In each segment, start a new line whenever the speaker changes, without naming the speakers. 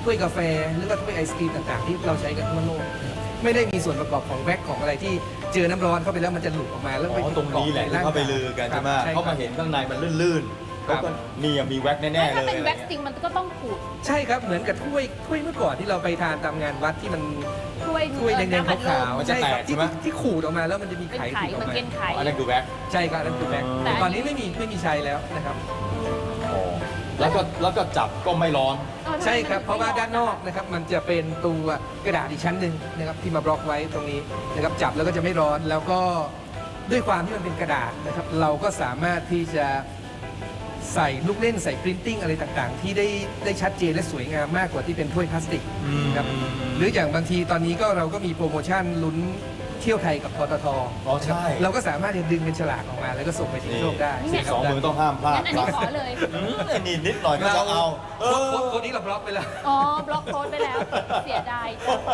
ถ้วยกาแฟหรือว่าถ้วยไอศกรีมต่างๆที่เราใช้กันทั่วโลกนะครับไม่ได้มีส่วนประกอบของแว็กของอะไรที่เจอน้ำร้อนเข้าไปแล้วมันจะหลุดออกมาแล้วไป
ตรงนี้แหละที่เขาไปลือกันใช่ไหมเขามาเห็นข้างในมันลื่นๆเขาก็นี่มีแว็กแน่ๆเลย
ถ้าเป็นแว็กซ์จริงมันก็ต้องขูด
ใช่ครับเหมือนกับถ้วยเมื่อก่อนที่เราไปทานตามงานวัดที่มัน ถ้วยแดงๆขาวๆ
มันจะแตกใช่ไหม
ที่ขูดออกมาแล้วมันจะมี
เป็น
ไข่
ไข่
ติดอ
มั
อน กมา
เป็นไข่
อันนั้นคือแว็ก
ใช่ครับนั่นคือแว็ก
แต่
ตอนนี้ไม่มีใช้แล้วนะครับ
แล้วก็จับก็ไม่ร้อน
ใช่ครับเพราะว่าด้านนอกนะครับมันจะเป็นตัวกระดาษอีกชั้นหนึ่งนะครับที่มาบล็อกไว้ตรงนี้นะครับจับแล้วก็จะไม่ร้อนแล้วก็ด้วยความที่มันเป็นกระดาษนะครับเราก็สามารถที่จะใส่ลูกเล่นใส่ปรินติ้งอะไรต่างๆ ที่ได้ชัดเจนและสวยงามมากกว่าที่เป็นถ้วยพลาสติกนะครับหรืออย่างบางทีตอนนี้ก็เราก็มีโปรโมชั่นลุ้นเที่ยวไทยกับปตท
อ๋อใช่
เราก็สามารถจะดึงเป็นฉลากออกมาแล้วก็ส่งไปที่โชคได้
สองมือต้องห้ามพลาด
งั้นอันนี้ขอเลย
นี่นิดหน่อยก็จะเอา
โค้ดนี้เราบล็อกไปแล้ว
อ๋อบล็อกโค้ดไปแล้ว เสียดายจัง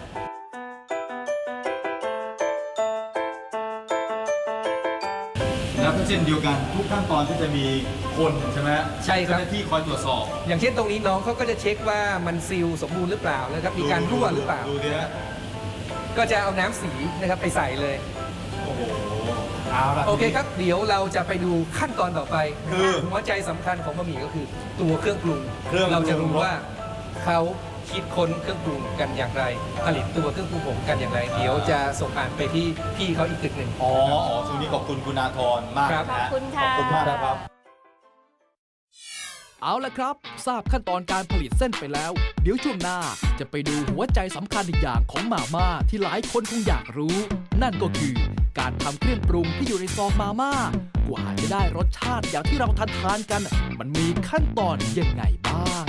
แล้วก็เช่นเดียวกันทุกขั้นตอนที่จะมีคนใช่ไหม
ใช่ครับ
เจ้าหน้าที่คอยตรวจสอบ
อย่างเช่นตรงนี้น้องเขาก็จะเช็คว่ามันซีลสมบูรณ์หรือเปล่านะครับมีการรั่วหรือเปล่า
ดูดิฮะ
ก็จะเอาน้ำสีนะครับไปใส่เลย
โอ้โหเอาละ
โอเคครับเดี๋ยวเราจะไปดูขั้นตอนต่อไป
คือ
หัวใจสำคัญของบะหมี่ก็คือตัวเครื่องปรุง
เครื่องปรุง
เราจะรู้ว่าเขาคิดค้นเครื่องปรุงกันอย่างไร ผลิตตัวเครื่องปรุงผมกันอย่างไร เดี๋ยวจะส่งอ่านไปที่พี่เขาอีกตึกหนึ่ง
อ๋อช่วงนี้ขอบคุณคุณอาธรมาก
ครับ
นะ
ขอบคุณค่ะ
ขอบคุณมากนะครับ
เอาละครับ ทราบขั้นตอนการผลิตเส้นไปแล้ว เดี๋ยวช่วงหน้าจะไปดูหัวใจสำคัญอีกอย่างของมาม่าที่หลายคนคงอยากรู้ นั่นก็คือการทำเครื่องปรุงที่อยู่ในซองมาม่ากว่าจะได้รสชาติอย่างที่เราทานกัน มันมีขั้นตอนยังไงบ้าง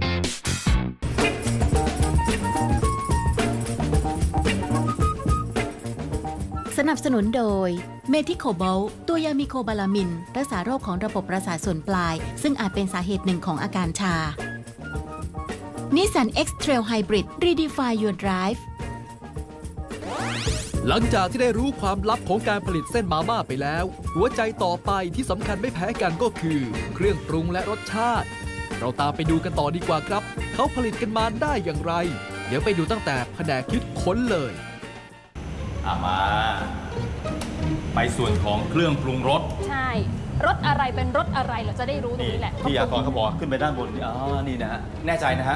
สนับสนุนโดยเมทิโคโบลตัวยามีโคบาลามิน รักษาโรคของระบบประสาทส่วนปลาย ซึ่งอาจเป็นสาเหตุหนึ่งของอาการชา Nissan X-Trail Hybrid Redefine Your Drive
หลังจากที่ได้รู้ความลับของการผลิตเส้นมาม่าไปแล้ว หัวใจต่อไปที่สำคัญไม่แพ้กันก็คือ เครื่องปรุงและรสชาติ เราตามไปดูกันต่อดีกว่าครับ เขาผลิตกันมาได้อย่างไร เดี๋ยวไปดูตั้งแต่แผนกคิดค้นเลย
มาไปส่วนของเครื่องปรุงรส
ใช่ รถอะไรเป็นรถอะไรเราจะได้รู้ตรง
นี่
นี้แหละ
ที่อาธรเขาบอกขึ้นไปด้านบนนี่นี่นะฮะแน่ใจนะฮะ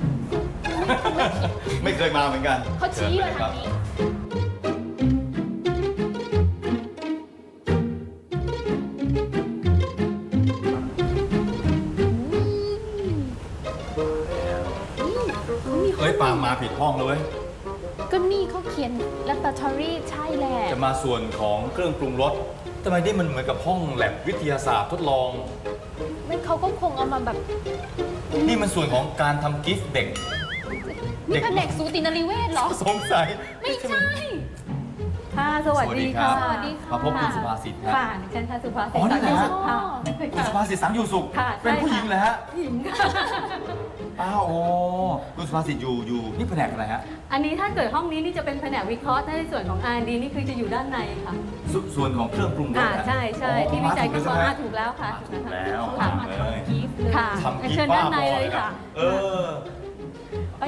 ไม่เคยมาเหมือนกัน
เขาชี้เลย
ครั
ทา
บ
งนี้
เฮ้ยปางมาผิดห้องเลยเว้ย
ก็นี่เขาเขียน laboratory ใช่แหละ
จะมาส่วนของเครื่องปรุงรสทำไมนี่มันเหมือนกับห้องแลบวิทยาศาสตร์ทดลอง
มันเขาก็คงเอามาแบบ
นี่มันส่วนของการทำกิฟต์เด็ก
นี่แผนกสูตินรีเวชเหรอ
สงสัย
ไม่ใช่
ค่ะสวัสดีค่ะ
สวัสดีค่ะ
มาพบคุณสุภาษิตฮะ
ค่ะดิฉันค่ะสุภาษิต
อ๋อนี่
สัง
เหรอ
สุขค่ะ
คุณสุภาษิตสังอยู่สุข
ค่ะ
เป็นผู้หญิงเหรอฮะ
หญิงค่ะ
อ้าวโอ้คุณสุภาษิตอยู่นี่แผนกอะไรฮะ
อันนี้ถ้าเกิดห้องนี้นี่จะเป็นแผนกวิเคราะห์ในส่วนของ R&D นี่คือจะอยู่ด้านในค่ะ
ส่วนของเครื่องปรุงรสนะ
ใช่ใช่
อ๋อ
ที่วิจัยกัน
มา
ว่า
ถูกแล้ว
ถูกแล้วค่ะ
ถูกแล้ว
ค่ะ
มาเลย
กิฟต์เลย
ค่ะ
ทำกิฟ
เชิญ
ต์บ้า
ด้านใน
บอ
เลยค่ะ
เออ
ไป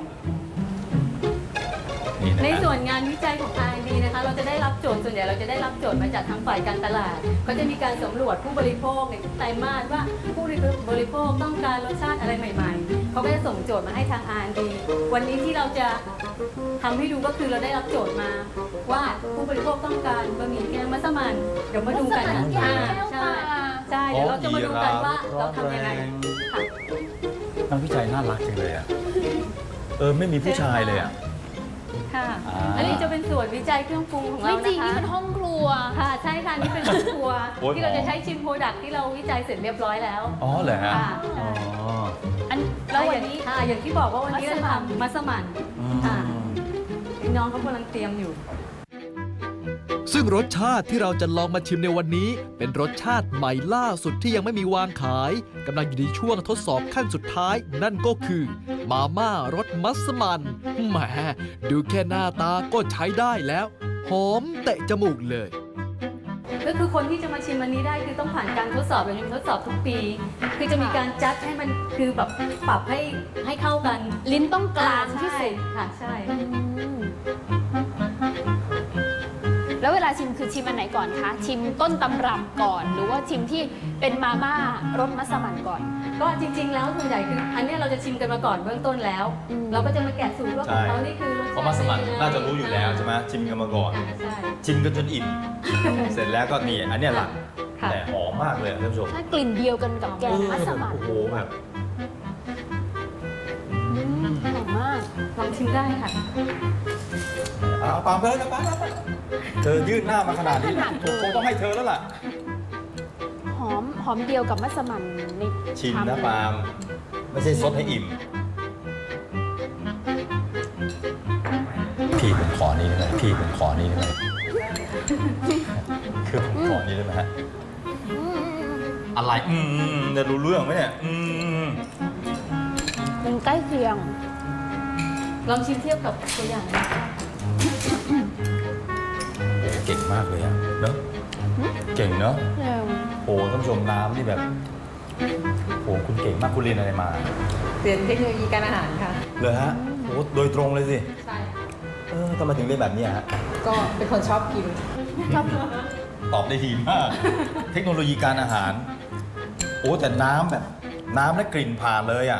นี่นะ
ใน
ฮะ
ส่วนงานวิจัยของ R&D นะคะเราจะได้รับโจทย์ส่วนใหญ่เราจะได้รับโจทย์มาจากทางฝ่ายการตลาดก็จะมีการสำรวจผู้บริโภคในทุกไตรมาสว่าผู้บริโภคต้องการรสชาติอะไรใหม่ๆเขาก็จะส่งโจทย์มาให้ทาง R&D วันนี้ที่เราจะทำให้ดูก็คือเราได้รับโจทย์มาว่าผู้บริโภคต้องการบะหมี่แกงมัสมั่นเดี๋ยวมาดูกัน
มัสมั่นแกง
ใช่
แก้วตา
ใช่เดี๋ยวเราจะมาดูกันว่าเราทำยังไงค่ะ
นักวิจัยน่ารักจังเลยอ่ะ ไม่มีผู้ชายเลยอ่ะ
ค่ะ
อ่า
อันนี้จะเป็นส่วนวิจัยเครื่องปรุงของ
ไม่
เรา
จริง
นะคะ
นี่เป็นห้องครัว
ค่ะใช่ค่ะนี่เป็นเครื่องครัว
โอ๊ย
ที่เราจะใช้ชิมโปรดักที่เราวิจัยเสร็จเรียบร้อยแล้ว
อ๋อเหรอฮะ
ค่ะ
อ๋อ
อันแล้ววันนี้
ค่ะอย่างที่บอกว่าวันนี้เราทำมัสมั่นค่ะน้องเขากำลังเตรียมอยู่
ซึ่งรสชาติที่เราจะลองมาชิมในวันนี้ เป็นรสชาติใหม่ล่าสุดที่ยังไม่มีวางขายกำลังอยู่ในช่วงทดสอบขั้นสุดท้าย นั่นก็คือ มาม่ารสมัสมั่นแหมดูแค่หน้าตาก็ใช้ได้แล้ว หอมเตะจมูกเลย
คก็คือคนที่จะมาชิมอันนี้ได้คือต้องผ่านการทดสอบแบบนี้ทดสอบทุกปี คือจะมีการจัดให้มันคือแบบปรับให้เข้ากัน
ลิ้นต้องกลางที่สุด
ค่ะใช่
แล้วเวลาชิมคือชิมอันไหนก่อนคะ ชิมต้นตำรับก่อน หรือว่าชิมที่เป็นมาม่ารสมัสมั่นก่อน
ก็จริงๆแล้วส่วนใหญ่คืออันเนี้ยเราจะชิมกันมาก่อนเบื้องต้นแล้ว เราก็จะมาแกะสูตรว่าของเขานี่คือรสชาติ
เพราะมัสมั่นน่าจะรู้อยู่แล้วใช่ไหมชิมกันมาก่อน
ใช่
ชิมกันจนอิ่ม เสร็จแล้วก็นี่อันเนี้ยหลัก
ค่ะ
แต่หอมมากเลยท่านผู้ชม
ถ้ากลิ่นเดียวกันกับแกงมัสมั่น
โอ้โหแบบ
หอมมาก
ลองชิมได้ค่ะ
เอาปามไปแล้วนะปามเธอยื่นหน้ามาขนาดนี้ถูกคงต้องให้เธอแล้วล่ะ
หอมเดียวกับมัสมั่นใน
ชิม
ชาม
นะปาล์มไม่ใช่ซดให้อิ่ม พี่ผมขอนี้ได้ไหมพี่ผมขอนี้ได้ไหมคือผมขอนี้ได้ไหมฮะ อะไรจะรู้เรื่องไหมเนี่ย
มันใกล้เคียง
ลองชิมเทียบกับตัวอย่างนะคะ
เก่งมากเลยอะเนอะเก่งเนอะโอ้ท่านผู้ชมน้ำนี่แบบโอ้คุณเก่งมากคุณเรียนอะไรมา
เรียนเทคโนโลยีการอาหารค่ะ
เลยฮะโอ้โดยตรงเลยสิ
ใช่
ทำไมถึงเรียนแบบนี้ฮะ
ก็เป็นคนชอบกิน
ตอบได้ดีมาก เทคโนโลยีการอาหาร โอ้แต่น้ำแบบน้ำและกลิ่นผ่านเลยอ่ะ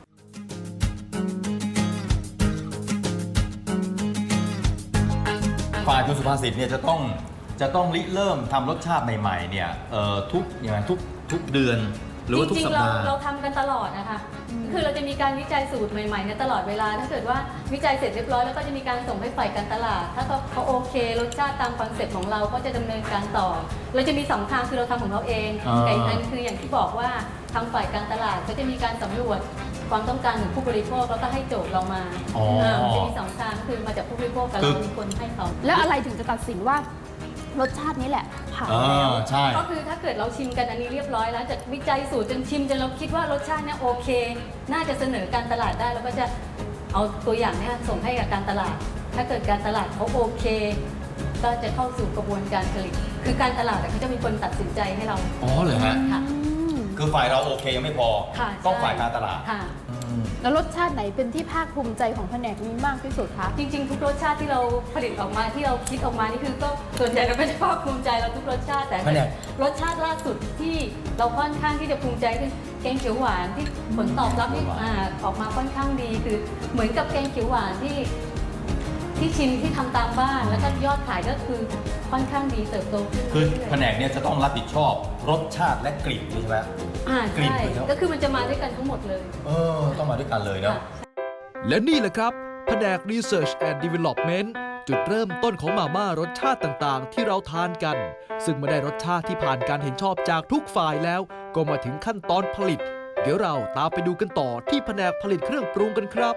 ฝ่ายคุณสุภาษิตเนี่ยจะต้องริเริ่มทำรสชาติใหม่ๆเนี่ยทุกเดือนหรือว่าทุก
จริ
สั
ง
ป
ๆ
ดาห์
เราทำกันตลอดนะคะ คือเราจะมีการวิจัยสูตรใหม่ๆเนี่ยตลอดเวลา ถ้าเกิดว่าวิจัยเสร็จเรียบร้อยแล้วก็จะมีการส่งให้ฝ่ายการตลาด ถ้าเขาโอเครสชาติตามคอนเซ็ปต์ของเราก็จะดำเนินการต่อ เราจะมีสองทางคือเราทำของเราเองกับอีกอันคืออย่างที่บอกว่าทางฝ่ายการตลาดเขาจะมีการสำรวจความต้องการของผู้บริโภคแล้วก็ให้โจทย์เรามามันจะมีสองทางคือมาจากผู้บริโภคกับเรามีคนให้เขา
แล้วอะไรถึงจะตัดสินว่ารสชาตินี้แหละผ่านแล้ว
ใช่
ก็คือถ้าเกิดเราชิมกันอันนี้เรียบร้อยแล้วจากวิจัยสูตรจนชิมจนเราคิดว่ารสชาติเนี่ยโอเค น่าจะเสนอการตลาดได้แล้วก็จะเอาตัวอย่างเนี่ยส่งให้กับการตลาด ถ้าเกิดการตลาดเขาโอเค ก็จะเข้าสู่กระบวนการผลิต คือการตลาดเขาจะมีคนตัดสินใจให้เรา
อ๋อเหรอฮะ
ค่ะ
คือฝ่ายเราโอเคยังไม่พอ
ค่ะ
ต้องฝ่ายการตลาด
ค่ะ
แล้วรสชาติไหนเป็นที่ภาคภูมิใจของแผนกนี้มากที่สุดคะ
จริงๆ ทุกรสชาติที่เราผลิตออกมาที่เราคิดออกมานี่คือก็ส่วนใหญ่เราไม่ได้ภาคภูมิใจเราทุกรสชาติแต่
แผนก
รสชาติล่าสุดที่เราค่อนข้างที่จะภูมิใจคือแกงเขียวหวานที่ผลตอบรับนี่ออกมาค่อนข้างดีคือเหมือนกับแกงเขียวหวานที่ชิมที่ทำตามบ้านแล้วก็ยอดขายก็คือค่อนข้างดีเติบโตขึ้น
คือ
เรื่ยๆ
แผนกเนี่ยจะต้องรับผิดชอบรสชาติและกลิ่นใช่ไหม กลิ่น
ใช่
คือ
ก็คือมันจะมาด้วยกันทั้งหมดเลย
ต้องมาด้วยกันเลยเนาะ
ค่ะ
และนี่แหละครับแผนก Research and Development จุดเริ่มต้นของมาม่ารสชาติต่างๆ ที่เราทานกัน ซึ่งเมื่อได้รสชาติที่ผ่านการเห็นชอบจากทุกฝ่ายแล้ว ก็มาถึงขั้นตอนผลิต เดี๋ยวเราตามไปดูกันต่อที่แผนกผลิตเครื่องปรุงกันครับ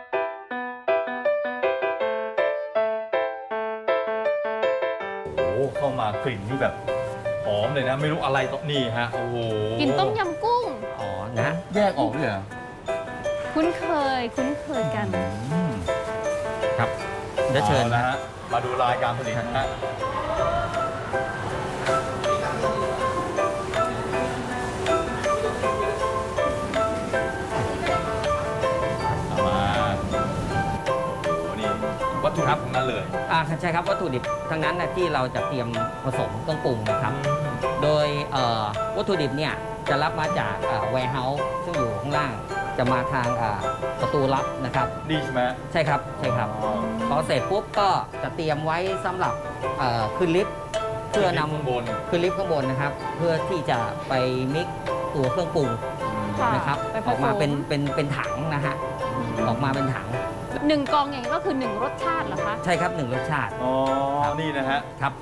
โอ้โหเข้ามากลิ่นนี่แบบหอมเลยนะ ไม่รู้อะไรตรงนี่ฮะ โอ้โห
กินต้มยำกุ้ง
อ๋อ นะ
แยกออกด้วยเหรอ
คุ้นเคยกัน
ครับ เดี๋ยวเชิญ
อานะฮะ มาดูรายการผลิตนะฮะเอามาโอ้นี่วัตถุดิบทั้งนั้นเลย
ใช่ครับ วัตถุดิบทั้งนั้นนะที่เราจะเตรียมผสมเครื่องปรุงนะครับ โดยวัตถุดิบเนี่ยจะรับมาจากwarehouse ซึ่งอยู่ข้างล่าง จะมาทางประตูลับนะครับ
ดีใช่ไหม
ใช่ครับ ใช่ครับ
อ๋อ
พอเสร็จปุ๊บก็จะเตรียมไว้สำหรับขึ้นลิฟต์เพื่อน
ข้างบน
ำขึ้นลิฟต์ข้างบนนะครับ เพื่อที่จะไปมิกซ์ตัวเครื่องปรุง
ค่ะ
นะครับ
ไปผสม
ออกมาเป็นถังนะฮะ ออกมาเป็นถัง
หนึ่งกองอย่างนี้ก็คือหนึ่งรสชาติเหรอคะ
ใช่ครับ1รสชาติ
อ๋อ นี่นะฮะ
ครับ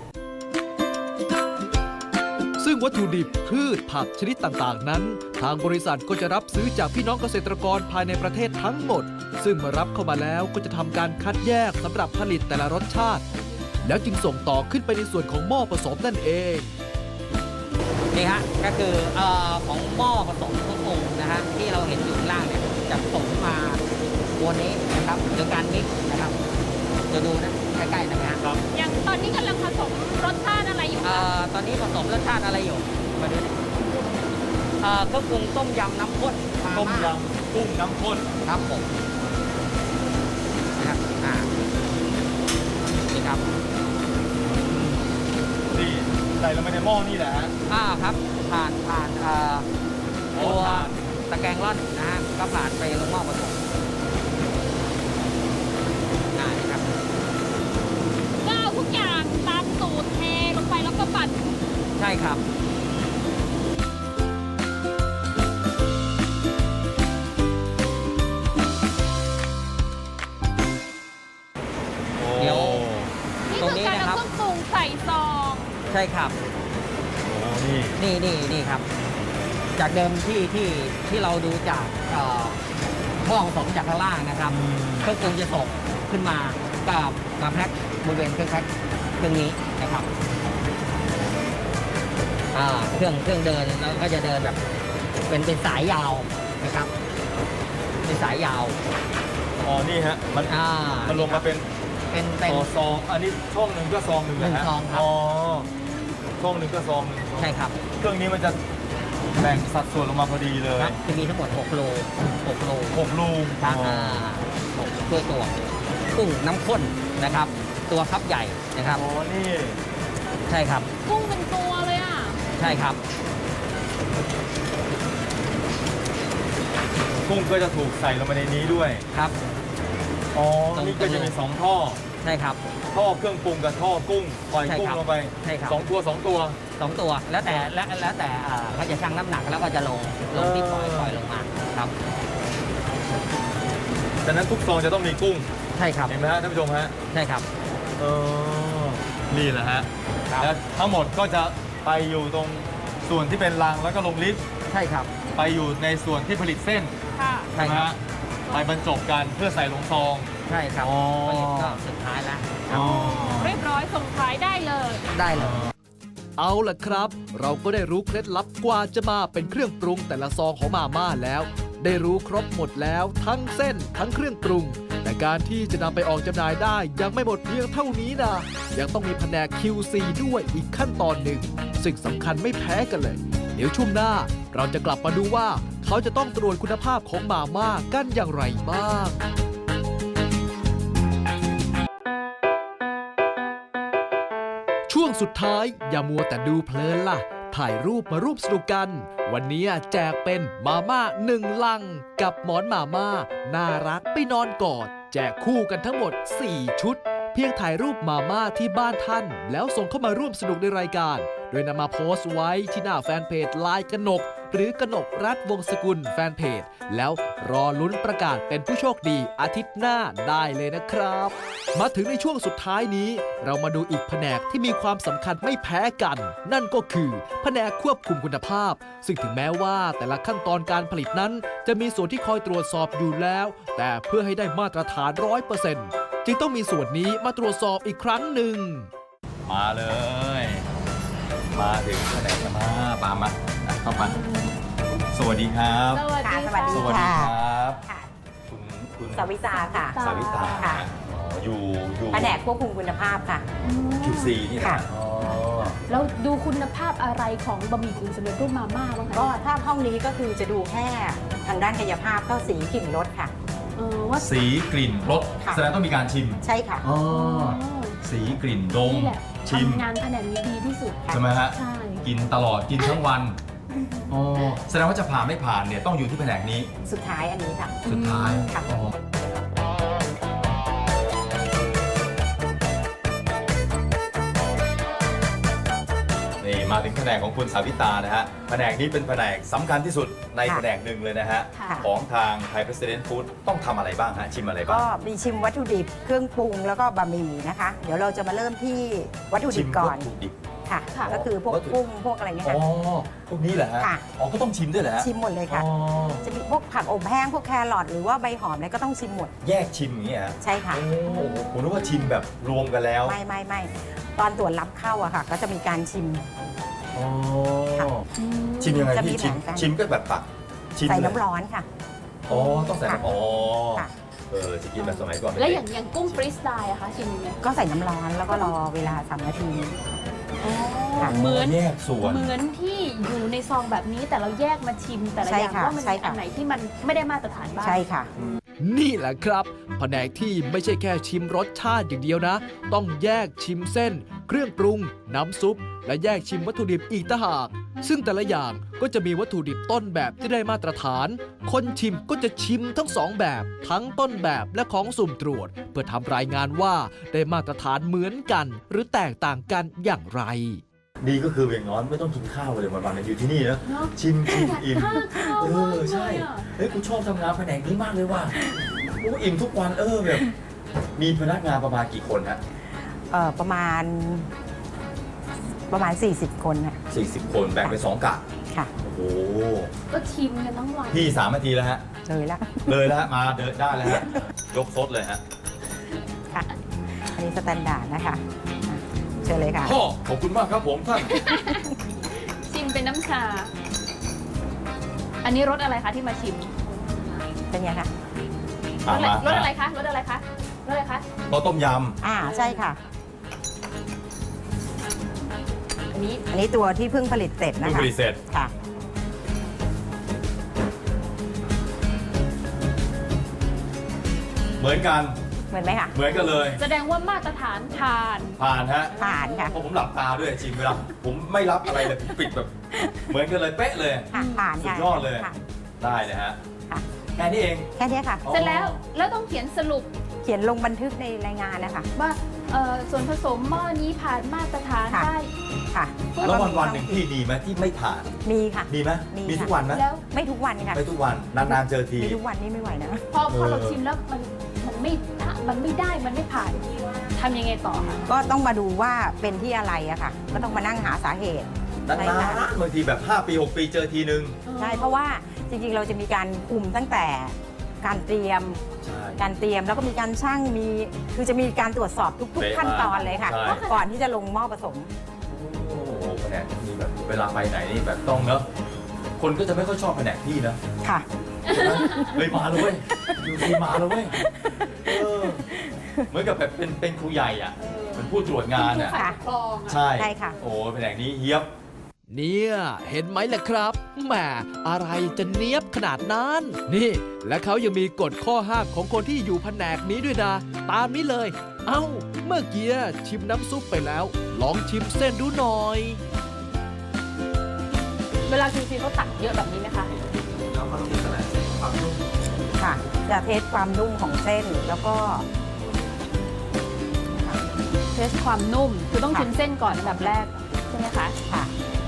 ซึ่งวัตถุดิบพืชผักชนิดต่างๆ นั้น ทางบริษัทก็จะรับซื้อจากพี่น้องเกษตรกรภายในประเทศทั้งหมด ซึ่งเมื่อรับเข้ามาแล้วก็จะทำการคัดแยกสำหรับผลิตแต่ละรสชาติ แล้วจึงส่งต่อขึ้นไปในส่วนของหม้อผสมนั่นเอง
นี่ฮะก็คือของหม้อผสมเครื่องปรุงนะฮะที่เราเห็นอยู่ข้างล่างเนี่ยจะผสมมาวนนี้นะครับโดยการมิกซ์นะครับโดยจะดูนะใกล้ๆนะฮะ
อย่างตอนนี้กำลังผสมรสชาติอะไรอยู่คะ
ตอนนี้ผสมรสชาติอะไรอยู่ มาดูดิเครื่องปรุงต้มยำน้ำข้น
ต้มยำกุ้งน้ำข้น
ครับผมนะครับนี่ครับ
นี่ใส่ลงไปในหม้อนี่แหละฮะ
ครับผ่านตัวตะแกรงร่อนนะฮะก็ผ่านไปลงหม้อผสมนี่ครับ
ก็เอาทุกอย่างตามสูตรเทลงไปแล้วก็ปั่น
ใช่ครับ เดี๋ยว
นี่
ตรง
คือ
นี้
การ
นะค
เอา
รับ
เครื่องปรุงใส่ซอง
ใช่ครับ
โอ้นี่
นี่ครับ จากเดิมที่เราดูจากหม้อผสมจากข้างล่างนะครับ เครื่องปรุงจะส่งขึ้นมากับมาแพ็คบริเวณเครื่องแพ็คเครื่องนี้นะครับเครื่องเดินแล้วก็จะเดินแบบเป็นสายยาวนะครับ เป็นสายยาว
อ๋อนี่ฮะมันลงมาเป็น
เป็น
ต่อซองอันนี้ช่องหนึ่งก็ซองหนึ่งนะฮะ
1 ซองครับ
อ๋อช่องหนึ่งก็ซองหนึ่ง
ใช่ครับ
เครื่องนี้มันจะแบ่งสัดส่วนลงมาพอดีเลย
ครับจะมีทั้งหมด6 โล 6 โล
6 ลูก
ครับด้วยตัวกุ้งน้ำข้นนะครับ ตัวคับใหญ่นะครับ
อ๋อนี่
ใช่ครับ
กุ้งเป็นตัวเลยอ่ะ
ใช่ครับ
กุ้งก็จะถูกใส่ลงไปในนี้ด้วย
ครับ
อ๋อ
ตรง
นี่ก็จะมี2ท่อ
ใช่ครับ
ท่อเครื่องปรุงกับท่อกุ้งปล่อย
ใช่
กุ้ง
ครับ
ลงไป
ใช่ครับ
2 ตัว 2 ตัว
2 ตัวแล้วแต่เขาจะชั่งน้ำหนักแล้วก็จะลงที่ปล่อยลงมาครับ
แต่นั้นทุกซองจะต้องมีกุ้ง
ใช่ครับ
เห็นไหมฮะท่านผู้ชมฮะ
ใช่ครับ
เออนี่แหละฮะ
ครับ
แล้วทั้งหมดก็จะไปอยู่ตรงส่วนที่เป็นรางแล้วก็ลงลิฟต์
ใช่ครับ
ไปอยู่ในส่วนที่ผลิตเส้น
ค่ะ
ใช่
ใช่ไหม
ครับ
ฮะไปบรรจบกันเพื่อใส่ลงซอง
ใช่ครับ
อ๋อ
ผลิตก็สุดท้ายแล้วครับ
เรียบร้อยส่งขายได้เลย
ได้เลย
เอาล่ะครับ เราก็ได้รู้เคล็ดลับกว่าจะมาเป็นเครื่องปรุงแต่ละซองของมาม่าแล้ว ได้รู้ครบหมดแล้วทั้งเส้นทั้งเครื่องปรุง แต่การที่จะนำไปออกจำหน่ายได้ยังไม่หมดเพียงเท่านี้นะยังต้องมีแผนก QC ด้วยอีกขั้นตอนหนึ่งซึ่งสำคัญไม่แพ้กันเลย เดี๋ยวช่วงหน้าเราจะกลับมาดูว่าเขาจะต้องตรวจคุณภาพของมาม่ากันอย่างไรบ้าง ช่วงสุดท้ายอย่ามัวแต่ดูเพลินล่ะ ถ่ายรูปมาร่วมสนุกกัน วันนี้แจกเป็นมาม่า1 ลัง กับหมอนมาม่าน่ารักไปนอนกอด แจกคู่กันทั้งหมด 4 ชุด เพียงถ่ายรูปมาม่าที่บ้านท่าน แล้วส่งเข้ามาร่วมสนุกในรายการ โดยนำมาโพสต์ไว้ที่หน้าแฟนเพจลายกนก หรือกนกรัฐวงศ์สกุลแฟนเพจ แล้วรอลุ้นประกาศเป็นผู้โชคดีอาทิตย์หน้าได้เลยนะครับ มาถึงในช่วงสุดท้ายนี้ เรามาดูอีกแผนกที่มีความสำคัญไม่แพ้กัน นั่นก็คือแผนกควบคุมคุณภาพ ซึ่งถึงแม้ว่าแต่ละขั้นตอนการผลิตนั้น จะมีส่วนที่คอยตรวจสอบอยู่แล้ว แต่เพื่อให้ได้มาตรฐาน 100%จึงต้องมีส่วนนี้มาตรวจสอบอีกครั้งหนึ่ง
มาเลย มาถึงแผนกมาปามาเข้ามาสวัสดีครับ
สวัสดี
ค่ะสวัสดี
สวัสดีครับ
ค่ะ
คุณ
สวิตาค่ะ
สาวิตา
ค่ะ
อ๋ออยู่
แผนกควบคุมคุณภาพค่ะ
QC นี่แหละ
ค่ะ
อ๋อ
แล้วดูคุณภาพอะไรของบะหมี่กึ่งสำเร็จรูปมาม่าบ้างคะ
ก็ถ้าห้องนี้ก็คือจะดูแค่ทางด้านกายภาพก็สีกลิ่นรสค่ะ
ว่า
สีกลิ่นรส
ค่ะ
แสดงต้องมีการชิม
ใช่ค่ะ
อ๋อสีกลิ่นดม
นี่แหละ
ชิม
ทำงานแผนกนี้ดีที่สุด
ใช่ไหมฮะ
ใช่
กินตลอดกินทั้งวันอ๋อแสดงว่าจะผ่านไม่ผ่านเนี่ยต้องอยู่ที่แผนกนี้
สุดท้ายอันนี้ค่ะ
สุดท้าย
ค่ะ
อ๋อนี่มาถึงแผนกของคุณสาวิตานะฮะแผนกนี้เป็นแผนกสำคัญที่สุดใน
ค่ะ
แผนกหนึ่งเลยนะฮะ
ค่ะ
ของทางไทย President Food ต้องทำอะไรบ้างฮะชิมอะไรบ้าง
ก็มีชิมวัตถุดิบเครื่องปรุงแล้วก็บะหมี่นะคะ เดี๋ยวเราจะมาเริ่มที่วัตถุดิบก่อน
วัตถุดิบ
ค่ะ
ค่ะ
ก็คือพวก
วัตถุ
กุ้งพวกอะไรเนี่ย
อ๋อ
ค่ะ
พวกนี้แหละฮะ
ค่ะ
อ๋อก็ต้องชิมด้วยเหรอฮะ
ชิมหมดเลยค่ะ
อ๋อ
จะมีพวกผักอบแห้งพวกแครอทหรือว่าใบหอมอะไรก็ต้องชิมหมด
แยกชิมอย่างเงี้ยฮะ
ใช่ค่ะ
โอ้โหผมนึกว่าชิมแบบรวมกันแล้ว
ไม่ตอนตรวจรับเข้าอะค่ะ ก็จะมีการชิม
อ๋อ
ค่ะ
ชิมยังไง
จะมี
พี่ชิม
แผนการ
ชิมก็แบบตักชิม
ใส่
เลย
น้ำร้อนค่ะ
อ๋อต้องใส่น้ำอ๋อ
ค่ะ
จะกินแบบสมัยก่อน
แล้วอย่างกุ้งฟรีสไตล์อะคะชิมยังไง
ก็ใส่น้ำร้อนแล้วก็รอเวลา3 นาที ค่ะ
เหมือน
แยกส่วน
เหมือนที่อยู่ในซองแบบนี้แต่เราแยกมาชิมแต่ละ
ใช่
อย่าง
ค่ะ
ว่ามัน
ใช่
มี
ค่ะ
อันไหนที่มันไม่ได้มาตรฐานบ้าง
ใช่ค่ะ
นี่แหละครับแผนกที่ไม่ใช่แค่ชิมรสชาติอย่างเดียวนะ ต้องแยกชิมเส้น เครื่องปรุง น้ำซุป และแยกชิมวัตถุดิบอีกต่างหาก ซึ่งแต่ละอย่างก็จะมีวัตถุดิบต้นแบบที่ได้มาตรฐาน คนชิมก็จะชิมทั้งสองแบบ ทั้งต้นแบบและของสุ่มตรวจ เพื่อทำรายงานว่าได้มาตรฐานเหมือนกัน หรือแตกต่างกันอย่างไร
ดีก็คืออย่างน้อยไม่ต้องกินข้าวเลยวันๆอยู่ที่นี่นะ
เนอะ
ชิมอิ่ม
ข้าวมากเลย
ใช่
อะ
เฮ้ยกูชอบทำงานแผนกนี้มากเลยว่ะกูอิ่มทุกวันแบบมีพนักงานประมาณกี่คนฮะ
ประมาณ 40 คนน่ะ
40 คนแบ่งเป็น2 กะ
ค่ะ
โอ้โห
ก็ชิมกันทั้งวัน
พี่3 นาทีแล้วฮะ
เลยละ
เลยแล้วฮะมาเดินได้แล้วฮะยกซดเลยฮะ
ค่ะ อันนี้สแตนดาร์ดนะคะอ่ะเชิญเลยค่ะ
พ่อขอบคุณมากครับผมท่าน
ชิมเป็นน้ำชา อันนี้รสอะไรคะที่มาชิม
เป็นไงคะ
รสอะไรรสอะไรคะรสอะไรคะรสอะไรคะ
ก็ต้มย
ใช่ค่ะ
อันนี้
อันนี้ตัวที่เพิ่งผลิตเสร็จ
ำ
นะ
เพิ่ง
คะ
ผลิตเสร็จ
ค่ะ
เหมือนกัน
เหมือนไหมคะ
เหมือนกันเลย
แสดงว่ามาตรฐานผ่าน
ผ่านฮะ
ผ่านค่ะ
เพราะผมหลับตาด้วยชิมเวลาผมไม่รับอะไรเลยผมปิดแบบ เหมือนกันเลยเป๊ะเลย
ค่ะ ผ่าน
สุ
ค่ะ
ดยอดเลย
ค่ะ
ได้เลยฮะ
ค่ะ
แค่นี้เอง
แค่นี้ค่ะ
เสร็จแล้วแล้วต้องเขียนสรุป
เขียนลงบันทึกในรายงานนะคะ
ว่าส่วนผสมหม้อนี้ผ่านมาตรฐาน
ค่ะ
ได้
ค่ะ
แล้ววันๆหนึ่งพี่ดีไหมที่ไม่ผ่าน
มีค่ะ
ดีไหม
มี
มี
ค่ะ
ทุกวันไหม
แล้ว
ไม่ทุกวันค่ะ
ไม่ทุกวันนานๆเจอที
มีทุกวันนี่ไม่ไหวนะ
พอเราชิมแล้วมันไม่ได้มันไม่ผ่านทำยังไงต่อคะ
ก็ต้องมาดูว่าเป็นที่อะไรอะค่ะ ก็ต้องมานั่งหาสาเหตุ
นานๆบางทีแบบ5 ปี 6 ปีเจอทีนึง
ใช่ เพราะว่าจริงๆ เราจะมีการคุมตั้งแต่การเตรียม
ใช่
การเตรียมแล้วก็มีการชั่งคือจะมีการตรวจสอบทุก
เป๊ะ
ๆ ขั้นตอนเลยค่ะ
ใช่
ก่อนที่จะลงหม้อผสม
โอ้โหแผนกนี้แบบเวลาไปไหนนี่แบบต้องเนอะคนก็จะไม่ค่อยชอบแผนกพี่นะ
ค่ะ
ใช่ไหมเฮ้ยมาเลยเว้ยอยู่ดีมาเลยเว้ยเหมือนกับแบบเป็นครูใหญ่อ่ะเป็นผู้ตรวจงานอ่ะ
ฝ่ายปกครองอะ
ใช่
ใช่ค่ะ
โอ้แผนกนี้เยียบ
เนี่ยเห็นไหมล่ะครับแหมอะไรจะเนียบขนาดนั้น นี่ และเขายังมีกฎข้อห้ามของคนที่อยู่แผนกนี้ด้วยนะ ตามนี้เลย เอ้า เมื่อกี้ชิมน้ำซุปไปแล้ว ลองชิมเส้นดูหน่อย
เวลาชิมเขาตักเยอะแบบนี้ไหมคะ
ค่ะ จะเทสความนุ่มของเส้นแล้วก็
เทสความนุ่มคือต้องชิมเส้นก่อนอันดับแรกใช่ไหมคะ
ค่ะ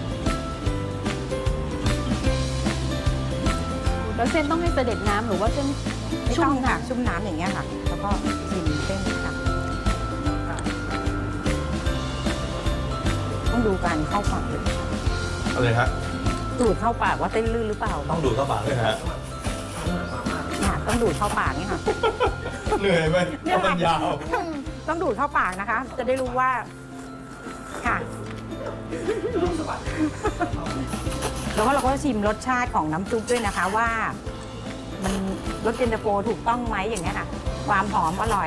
แล้วเส้นต้องให้เสด็จน้ำหรือว่าเส้น
ไม่
ชุ่
ต้
ม
องค่ะ
น้ำ
ชุ่มน้ำอย่างเงี้ยค่ะ แล้วก็ชิมเส้นค่ะ ต้องดูการเข้าปากเลย
อะไรฮะ
ดูดเข้าปากว่าเส้นลื่นหรือเปล่า
ต้องดูดเข้าปากด้วยฮะ
ค่ะต้องดูดเข้าปากนี่ค่ะ
เหนื่อยไหมเพราะมันยาว
ต้องดูดเข้าปากนะคะ จะได้รู้ว่า ค่ะ แล้วก็เราก็ชิมรสชาติของน้ำซุปด้วยนะคะว่า มันรสเย็นตาโฟถูกต้องไหมอย่างเงี้ยค่ะ ความหอมอร่อย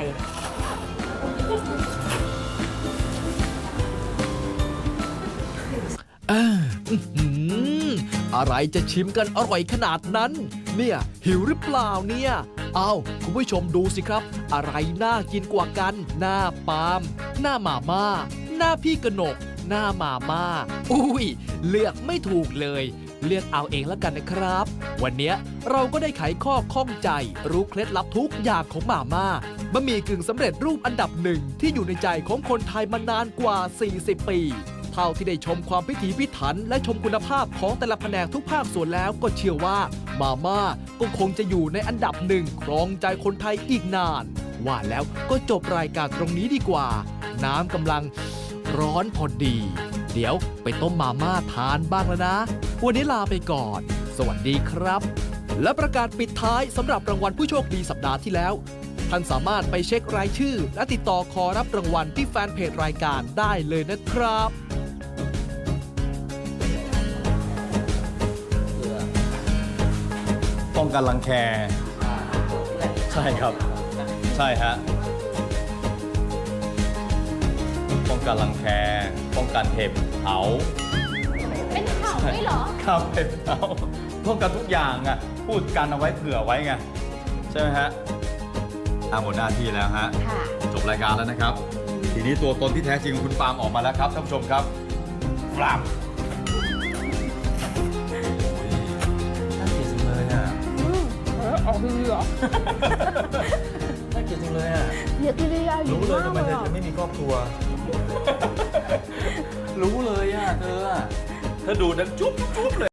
อะไรจะชิมกันอร่อยขนาดนั้น เนี่ยหิวหรือเปล่าเนี่ยเอาคุณผู้ชมดูสิครับ อะไรน่ากินกว่ากัน หน้าปาล์มหน้าหมาม่าหน้าพี่กนก หน้าหมาม่าอุ้ยเลือกไม่ถูกเลย เลือกเอาเองแล้วกันนะครับ วันเนี้ยเราก็ได้ไขข้อข้องใจ รู้เคล็ดลับทุกอย่างของหม่าม่าบะหมี่กึ่งสำเร็จรูปอันดับหนึ่งที่อยู่ในใจของคนไทยมานานกว่า 40 ปี เท่าที่ได้ชมความพิถีพิถันและชมคุณภาพของแต่ละแผนกทุกภาคส่วนแล้วก็เชื่อว่ามาม่าก็คงจะอยู่ในอันดับหนึ่งครองใจคนไทยอีกนาน ว่าแล้วก็จบรายการตรงนี้ดีกว่า น้ำกำลังร้อนพอดี เดี๋ยวไปต้มมาม่าทานบ้างแล้วนะ วันนี้ลาไปก่อน สวัสดีครับ และประกาศปิดท้ายสำหรับรางวัลผู้โชคดีสัปดาห์ที่แล้ว ท่านสามารถไปเช็ครายชื่อ และติดต่อขอรับรางวัลที่แฟนเพจรายการได้เลยนะครับ
ป้องกันรังแค ใช่ครับใช่ฮะ ป้องกันรังแค ป้องกันเห็บเผา
เป็นเผาด้วยเหรอ
ครับเห็บเผาป้องกันทุกอย่างอ่ะ พูดกันเอาไว้เผื่อไว้ไง ใช่ไหมฮะหมดหน้าที่แล้วฮะ
ค่ะ
จบรายการแล้วนะครับ ทีนี้ตัวตนที่แท้จริงของคุณปาล์มออกมาแล้วครับท่านผู้ชมครับปาล์มน่าเกลียดจังเลยอ่ะ
ออกดีเหรอ
น่าเกลียดจังเลยอ่ะ
เดี๋ยวกิริยาอยู่
รู้เลย
มาก
ทำไม
เลย
เธอ
อ่ะ
จะไม่มีครอบครัว รู้เลยอ่ะเธอดูดังจุ๊บจุ๊บเลย